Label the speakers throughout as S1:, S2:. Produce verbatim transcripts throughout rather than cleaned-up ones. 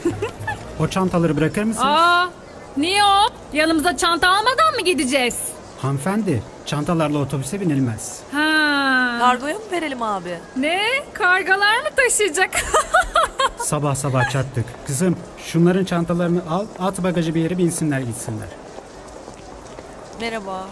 S1: O çantaları bırakır mısınız?
S2: Aa, niye o? Yanımıza çanta almadan mı gideceğiz?
S1: Hanımefendi, çantalarla otobüse binilmez.
S2: Ha.
S3: Kargoya mı verelim abi?
S2: Ne? Kargalar mı taşıyacak?
S1: Sabah sabah çattık. Kızım, şunların çantalarını al, at bagajı bir yere binsinler gitsinler.
S3: Merhaba.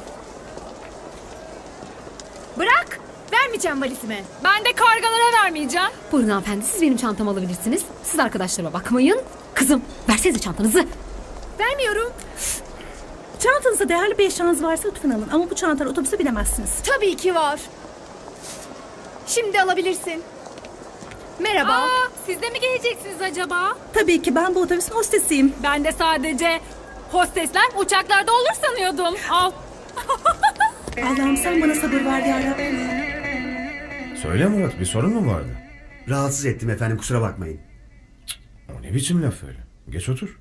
S4: Bırak! Vermeyeceğim valizimi.
S2: Ben de kargalara vermeyeceğim.
S4: Buyurun hanımefendi, siz benim çantamı alabilirsiniz. Siz arkadaşlarıma bakmayın. Kızım, versenize çantanızı. Vermiyorum.
S5: Çantanızda değerli bir eşyanız varsa lütfen alın. Ama bu çantalar otobüse binemezsiniz.
S4: Tabii ki var. Şimdi alabilirsin. Merhaba.
S2: Aa, siz de mi geleceksiniz acaba?
S5: Tabii ki ben bu otobüsün hostesiyim.
S2: Ben de sadece hostesler uçaklarda olur sanıyordum. Al.
S5: Allah'ım sen bana sabır ver yarabbim.
S6: Söyle Murat, bir sorun mu vardı?
S7: Rahatsız ettim efendim, kusura bakmayın.
S6: O ne biçim laf öyle? Geç otur.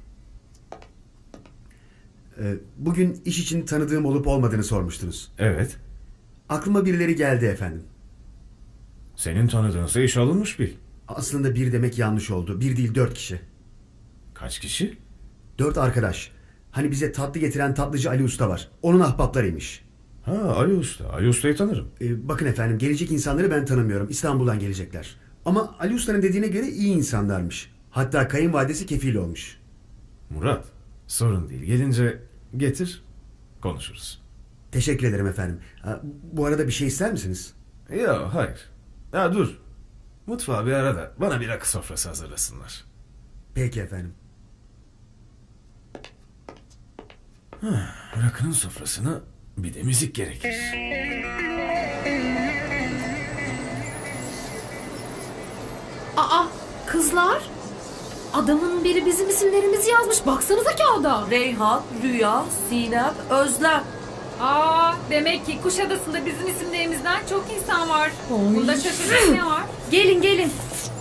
S7: Ee, bugün iş için tanıdığım olup olmadığını sormuştunuz.
S6: Evet.
S7: Aklıma birileri geldi efendim.
S6: Senin tanıdığınsa iş alınmış bil.
S7: Aslında bir demek yanlış oldu. Bir değil, dört kişi.
S6: Kaç kişi?
S7: Dört arkadaş. Hani bize tatlı getiren tatlıcı Ali Usta var. Onun ahbaplarıymış.
S6: Ha, Ali Usta. Ali Usta'yı tanırım.
S7: Ee, bakın efendim, gelecek insanları ben tanımıyorum. İstanbul'dan gelecekler. Ama Ali Usta'nın dediğine göre iyi insanlarmış. Hatta kayınvalidesi kefil olmuş.
S6: Murat, sorun değil. Gelince getir, konuşuruz.
S7: Teşekkür ederim efendim. Ha, bu arada bir şey ister misiniz?
S6: Yok, hayır. Ya dur. Mutfağı bir ara da bana bir rakı sofrası hazırlasınlar.
S7: Peki efendim.
S6: Rakının sofrasına bir de müzik gerekir.
S4: Aa, kızlar. Adamın biri bizim isimlerimizi yazmış. Baksanıza kağıda.
S3: Reyhan, Rüya, Sinem, Özlem.
S2: Aa, demek ki Kuşadası'nda bizim isimlerimizden çok insan var. Bunda şaşıracak ne var?
S4: Gelin gelin.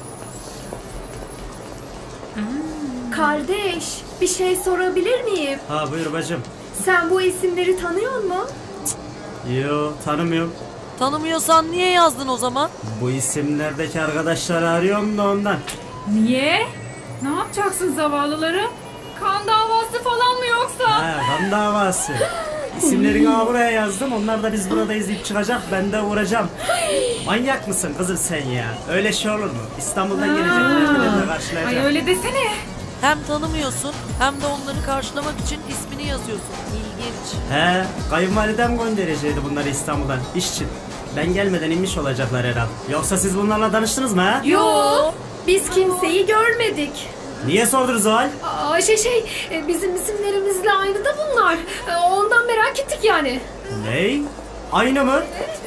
S4: Kardeş, bir şey sorabilir miyim?
S8: Ha buyur bacım.
S4: Sen bu isimleri tanıyor musun?
S8: Yo tanımıyorum.
S3: Tanımıyorsan niye yazdın o zaman?
S8: Bu isimlerdeki arkadaşları arıyorum da ondan.
S2: Niye? Ne yapacaksın zavallıları? Kan davası falan mı yoksa?
S8: Ha kan davası. İsimlerini ha buraya yazdım. Onlar da biz burada izleyip çıkacak. Ben de uğrayacağım. Manyak mısın kızım sen ya? Öyle şey olur mu? İstanbul'dan gelecekler. Ben de karşılayacağım.
S2: Ay öyle desene.
S3: Hem tanımıyorsun hem de onları karşılamak için ismini yazıyorsun. İlginç.
S8: He, kayınvalidem gönderecekti bunları İstanbul'dan iş için. Ben gelmeden inmiş olacaklar herhal. Yoksa siz bunlarla tanıştınız mı ha?
S4: Yo, biz kimseyi görmedik.
S8: Niye sordunuz o hal?
S4: Aa, şey şey, e, bizim isimlerimizle aynı da bunlar. E, Ondan merak ettik yani.
S8: Ney? Aynı mı?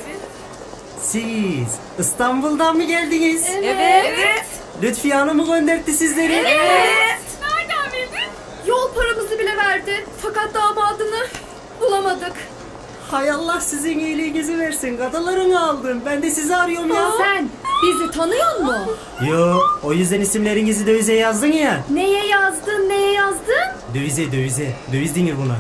S8: Siz İstanbul'dan mı geldiniz?
S3: Evet.
S8: Lütfiye Hanım mı gönderdi sizleri?
S4: Evet.
S2: Nereden bildin?
S4: Yol paramızı bile verdi. Fakat damadını bulamadık.
S8: Hay Allah sizin iyiliğinizi versin. Kadalarını aldım. Ben de sizi arıyorum ya.
S4: Sen bizi tanıyor musun?
S8: Yo, o yüzden isimlerinizi dövize yazdın ya.
S4: Neye yazdın, neye yazdın?
S8: Dövize, dövize. Döviz denir buna.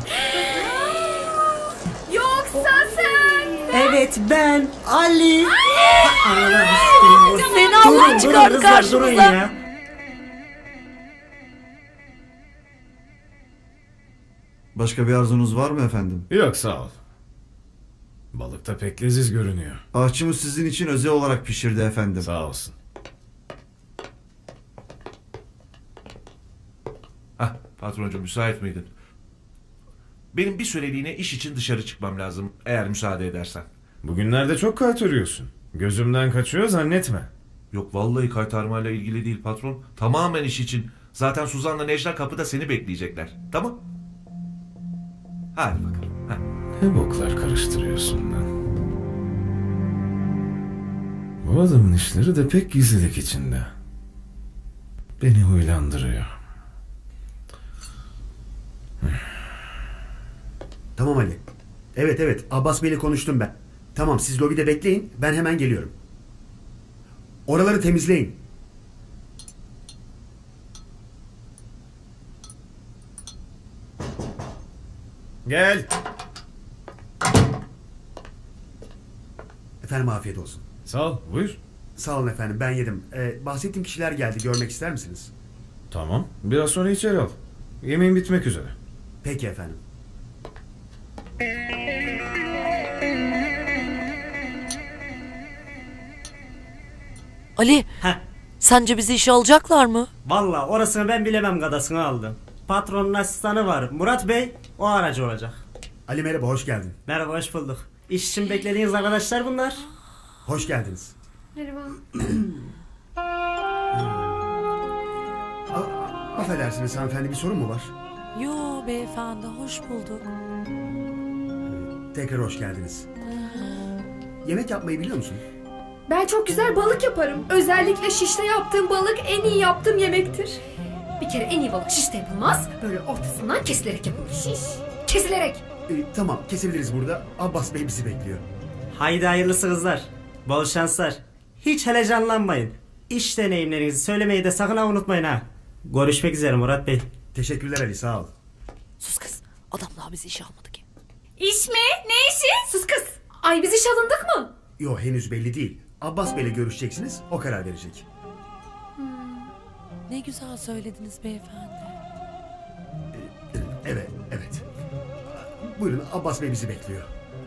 S4: Yoksa sen...
S8: Evet, ben Ali. Ananı
S3: Seni Allah çıkardı
S8: karşımıza. Durun ya.
S9: Başka bir arzunuz var mı efendim?
S6: Yok, sağ ol. Balık da pek leziz görünüyor.
S9: Ahçımız sizin için özel olarak pişirdi efendim.
S6: Sağ olsun.
S10: Hah, patroncu müsait miydin? Benim bir süreliğine iş için dışarı çıkmam lazım, eğer müsaade edersen.
S6: Bugünlerde çok kaytarıyorsun. Gözümden kaçıyor zannetme.
S10: Yok vallahi kaytarmayla ilgili değil patron. Tamamen iş için. Zaten Suzan'la Necla kapıda seni bekleyecekler. Tamam? Hadi bakalım. Heh.
S6: Ne boklar karıştırıyorsun lan? Bu adamın işleri de pek gizlilik içinde. Beni huylandırıyor.
S7: Tamam Ali. Evet evet, Abbas Bey'le konuştum ben. Tamam, siz lobide bekleyin, ben hemen geliyorum. Oraları temizleyin.
S6: Gel.
S7: Efendim afiyet olsun.
S6: Sağ ol, buyur.
S7: Sağ olun efendim, ben yedim. Ee, bahsettiğim kişiler geldi, görmek ister misiniz?
S6: Tamam. Biraz sonra içeri al. Yemeğin bitmek üzere.
S7: Peki efendim.
S3: Ali,
S8: Heh.
S3: sence bizi işe alacaklar mı?
S8: Valla orasını ben bilemem gadasını aldım. Patronun asistanı var. Murat Bey o aracı olacak.
S7: Ali merhaba, hoş geldin.
S8: Merhaba, hoş bulduk. İş için beklediğiniz arkadaşlar bunlar.
S7: Hoş geldiniz.
S4: Merhaba.
S7: A- affedersiniz hanımefendi, bir sorun mu var?
S3: Yo beyefendi, hoş bulduk.
S7: Tekrar hoş geldiniz. Yemek yapmayı biliyor musun?
S11: Ben çok güzel balık yaparım. Özellikle şişte yaptığım balık en iyi yaptığım yemektir.
S4: Bir kere en iyi balık şişte yapılmaz. Böyle ortasından kesilerek yapılır. Şiş. Kesilerek.
S7: Ee, tamam, kesebiliriz burada. Abbas Bey bizi bekliyor.
S8: Haydi hayırlısı kızlar. Bol şanslar. Hiç heyecanlanmayın. İş deneyimlerinizi söylemeyi de sakın ha unutmayın ha. Görüşmek üzere Murat Bey.
S7: Teşekkürler Ali, sağ ol.
S3: Sus kız, adam daha bizi işe almadı ki.
S2: İş mi? Ne işi?
S4: Sus kız. Ay biz iş alındık mı?
S7: Yo, henüz belli değil. Abbas Bey'le görüşeceksiniz, o karar verecek.
S3: Ne güzel söylediniz beyefendi.
S7: Evet, evet. Buyurun, Abbas Bey bizi bekliyor.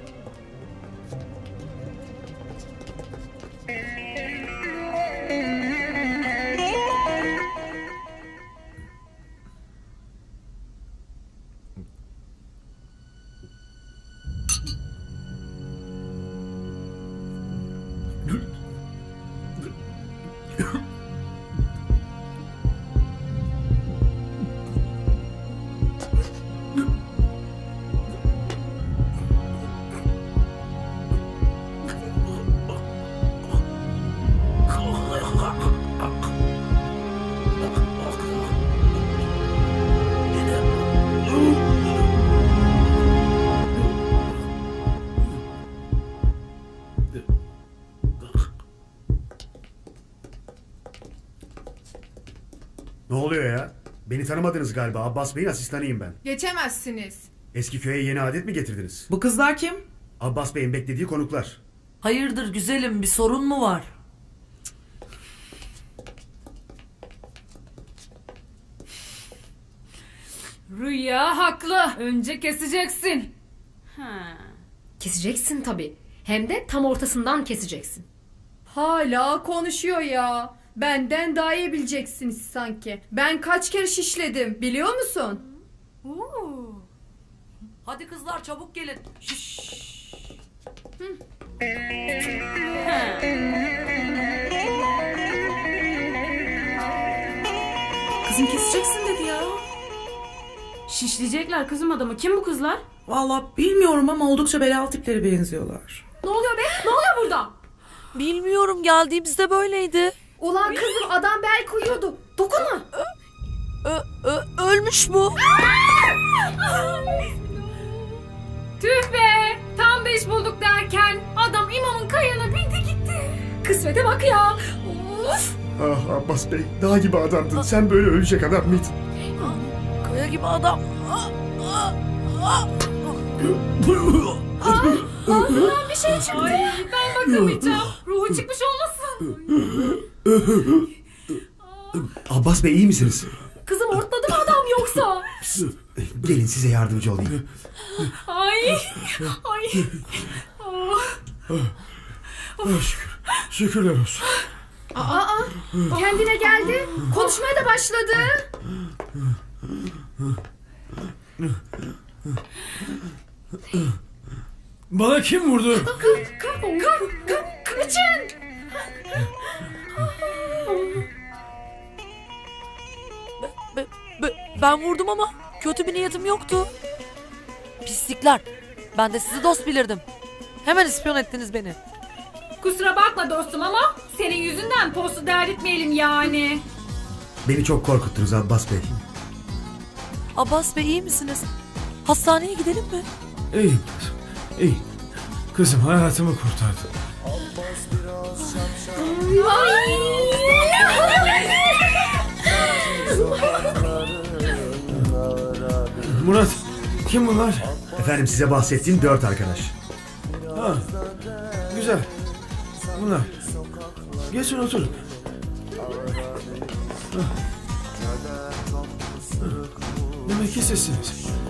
S7: Ne oluyor ya? Beni tanımadınız galiba. Abbas Bey'in asistanıyım ben.
S11: Geçemezsiniz.
S7: Eski köye yeni adet mi getirdiniz?
S12: Bu kızlar kim?
S7: Abbas Bey'in beklediği konuklar.
S3: Hayırdır güzelim, bir sorun mu var?
S2: Rüya haklı. Önce keseceksin.
S4: Keseceksin tabii. Hem de tam ortasından keseceksin.
S11: Hala konuşuyor ya. Benden daha iyi bileceksiniz sanki. Ben kaç kere şişledim biliyor musun?
S3: Hadi kızlar çabuk gelin. Şşş.
S12: Kızım keseceksin dedi ya.
S2: Şişleyecekler kızım adamı. Kim bu kızlar?
S12: Vallahi bilmiyorum ama oldukça belalı tiplere benziyorlar.
S4: Ne oluyor be? Ne oluyor burada?
S3: Bilmiyorum, geldiğimizde böyleydi.
S11: Ulan kızım adam bel koyuyordu.
S4: Dokunma.
S3: Ö, ö, ölmüş bu.
S2: Tüh be. Tam beş bulduk derken adam imamın kayığına bindi gitti.
S4: Kısmete bak ya. Of.
S7: Ah Abbas Bey, dağ gibi adamdın. Sen böyle ölecek adam mıydın?
S3: Kaya gibi adam. Ah, ah, ah.
S2: Ağzından bir şey çıktı. Ay, ben bakamayacağım. Ruhu çıkmış olmasın.
S7: Abbas Bey, iyi misiniz?
S4: Kızım ortladı mı adam yoksa?
S7: Gelin size yardımcı olayım.
S2: Ay. Ay. Oh.
S6: Şükür. Şükürler olsun.
S11: Aa, kendine geldi. Konuşmaya da başladı.
S6: Bana kim vurdu?
S4: Ka ka ka kaçın.
S3: Be- be- ben vurdum ama kötü bir niyetim yoktu. Pislikler. Ben de sizi dost bilirdim. Hemen ispiyon ettiniz beni.
S2: Kusura bakma dostum ama senin yüzünden postu derditmeyelim yani.
S7: Beni çok korkuttunuz Abbas Bey.
S3: Abbas Bey, iyi misiniz? Hastaneye gidelim mi?
S6: İyiyim kızım. İyi. Kızım hayatımı kurtardın. Murat, kim bunlar?
S7: Efendim, size bahsettiğim dört arkadaş.
S6: Ha, güzel. Bunlar. Geçin oturun. Ah. Demek ki sizsiniz.